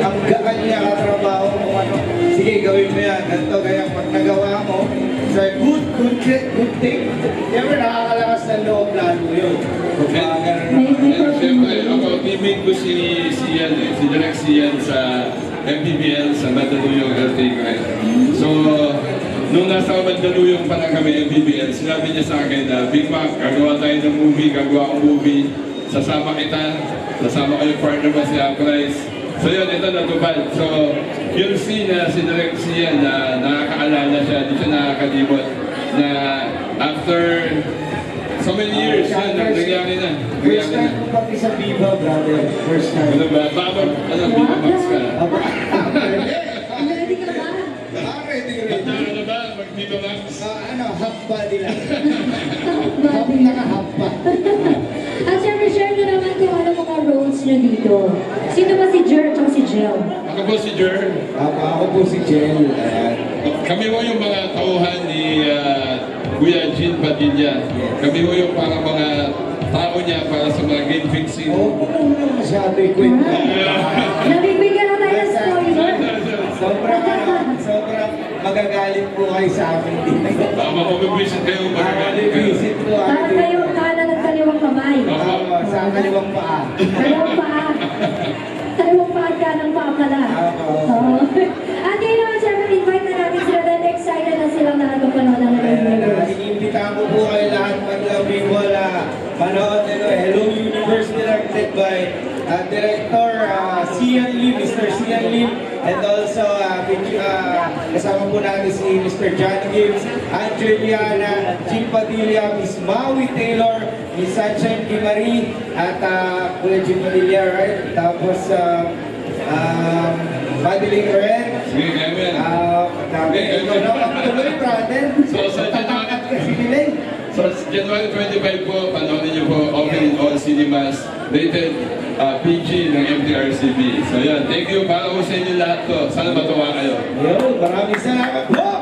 ang gaan niya katrabaho kung ano. Sige, gawin mo yan. Ganito, kaya pag nagawa mo, so good thing. Siyempre, nakakalakas ng loob lalo yun. And siyempre, ako, teammate ko si Sian, si Direk Sian sa MPBL sa Mandaluyong LTI. So, nung nasa Mandaluyong pa lang kami MPBL, sinabi niya sa akin na, Big Mac, gagawa tayo ng movie, gagawa akong movie, sasama kita, sasama ko yung partner mo si Aprise. So yun, ito natupad. So, yung scene na si Direk Sian na nakakaalala siya, di siya nakakalimot, na after so many years, yun, nangyari na. First time ko pati sa Viva, brother. First time. Ano ba? Baka Viva Max ka? Ready ka ba? Ready. Ano ba? Mag-Viva Max? Half body lang. Body. Naka-half pa. At syempre, share nyo naman kung ano mga roles nyo dito. Sino ba si Jer at si Jel? Ako po si Jer. Ako po si Jel. Kami po yung mga tauhan ni Kuya Jean Padilla. Kami po yung parang mga tao niya para sa mga game fixing. Oo, masyado ikwento. Nabibigyan na tayo ng spoiler. Sobrang magagalit po kayo sa akin dito. Baka mapabibisit kayo, magagalit kayo. Visit po Parang kayong kanan at kaliwang kamay. Sa kaliwang paa. Kaliwang paa. Kaliwang paa at kanang paa pala. Oo. At ngayon naman, syempre, invite na natin sila dahil excited na silang nakakapanood ng Live. Iniimbitahan ko po kayo lahat mag-labing wala. Manood nito, Hello Universe, directed by Director Sian Lim, Mr. Sian Lim, and also kasama po natin si Mr. John Gibbs, Angeliana, Jean Padilla, Miss Maui Taylor, Miss Sunshine Gimari, at Kuya Jean Padilla, right? Tapos Madeline Ren. Sige, Kevin. Tuloy, brother. So, January 25 po, panoorin niyo po, open in all cinemas, rated PG ng MTRCB. So yan, thank you para po sa inyo lahat to. Sana matuwa kayo. Yo, maraming salamat po!